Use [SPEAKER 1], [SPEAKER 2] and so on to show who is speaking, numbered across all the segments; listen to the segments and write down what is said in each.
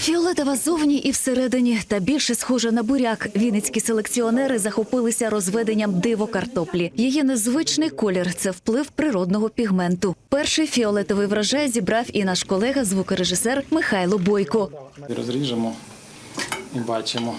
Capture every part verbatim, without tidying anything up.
[SPEAKER 1] Фіолетова зовні і всередині, та більше схожа на буряк. Вінницькі селекціонери захопилися розведенням диво-картоплі. Її незвичний колір – це вплив природного пігменту. Перший фіолетовий врожай зібрав і наш колега, звукорежисер Михайло Бойко.
[SPEAKER 2] Розріжемо і бачимо,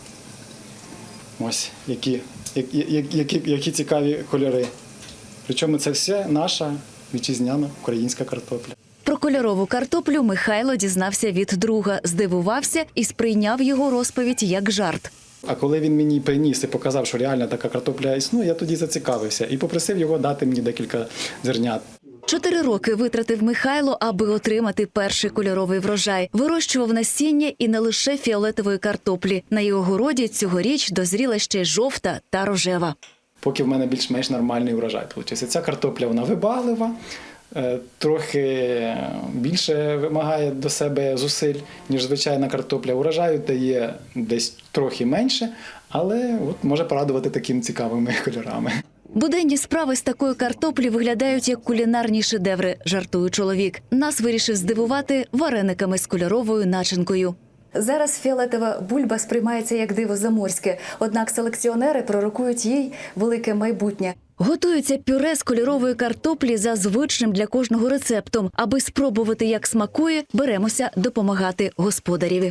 [SPEAKER 2] ось які, які, які, які цікаві кольори. Причому це все наша вітчизняна українська картопля.
[SPEAKER 1] Про кольорову картоплю Михайло дізнався від друга, здивувався і сприйняв його розповідь як жарт.
[SPEAKER 2] А коли він мені приніс і показав, що реально така картопля існує, я тоді зацікавився і попросив його дати мені декілька зернят.
[SPEAKER 1] Чотири роки витратив Михайло, аби отримати перший кольоровий врожай. Вирощував насіння і не лише фіолетової картоплі. На його городі цьогоріч дозріла ще й жовта та рожева.
[SPEAKER 2] Поки в мене більш-менш нормальний врожай вийшов. Ця картопля, вона вибаглива, трохи більше вимагає до себе зусиль, ніж звичайна картопля. Урожаю дає десь трохи менше, але от може порадувати такими цікавими кольорами.
[SPEAKER 1] Буденні справи з такої картоплі виглядають як кулінарні шедеври, жартує чоловік. Нас вирішив здивувати варениками з кольоровою начинкою. Зараз фіолетова бульба сприймається як диво заморське, однак селекціонери пророкують їй велике майбутнє. Готується пюре з кольорової картоплі за звичним для кожного рецептом. Аби спробувати, як смакує, беремося допомагати господареві.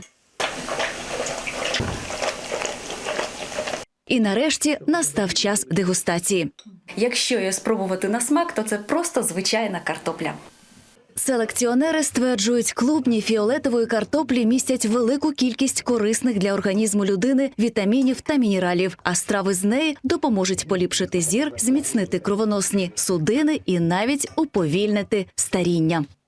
[SPEAKER 1] І нарешті настав час дегустації. Якщо її спробувати на смак, то це просто звичайна картопля. Селекціонери стверджують, клубні фіолетової картоплі містять велику кількість корисних для організму людини вітамінів та мінералів, а страви з неї допоможуть поліпшити зір, зміцнити кровоносні судини і навіть уповільнити старіння.